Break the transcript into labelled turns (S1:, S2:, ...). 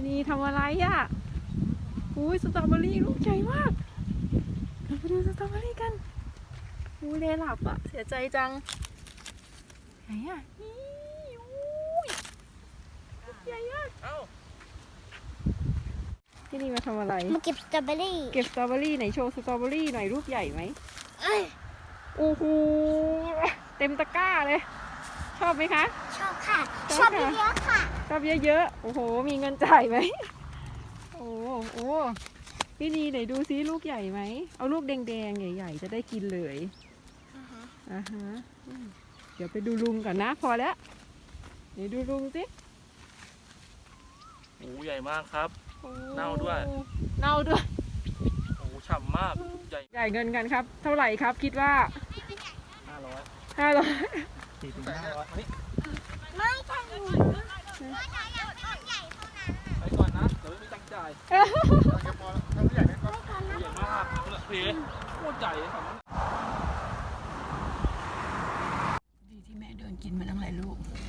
S1: นี่ทำอะไรอ่ะอุ้ยสตรอเบอรี่ลูกใหญ่มากเราไปดูสตรอเบอรี่กันอู้เลหลับอ่ะเสียใจจังไหนอ่ะนี่อุ้ยลูกใหญ่อ่ะที่นี่มาทำอะไร
S2: มาเก็บสตรอเบอรี่
S1: เก็บสตรอเบอรี่ไหนโชว์สตรอเบอรี่หน่อยรูปใหญ่ไหมโอ้โหเต็มตะกร้าเลยชอบไหมคะ
S2: ชอบค่ะชอบเยอะๆค่ะ
S1: ชอบเยอะๆโอ้โหมีเงินจ่ายไหมโอ้โหพี่นีไหนดูซิลูกใหญ่ไหมเอาลูกแดงๆใหญ่ๆจะได้กินเลยอ่าฮะเดี๋ยวไปดูลุงก่อนนะพอแล้วเดี๋ยวดูลุงสิ
S3: โอ้ใหญ่มากครับเน่าด้วย
S1: เน่าด้วย
S3: โอ้ฉ่ำมากใหญ่
S1: จ่ายเงินกันครับเท่าไหร่ครับคิดว่า500
S3: 400-500นี่
S2: ไม่ใช่ใหญ่เท่านั้น
S3: ไปก่อนนะเดี๋ยวไม่มีตังค์จ่ายใหญ่มากเพลโคตรใหญ่ของ
S1: ดีที่แม่เดินกินมาตั้งหลายลูก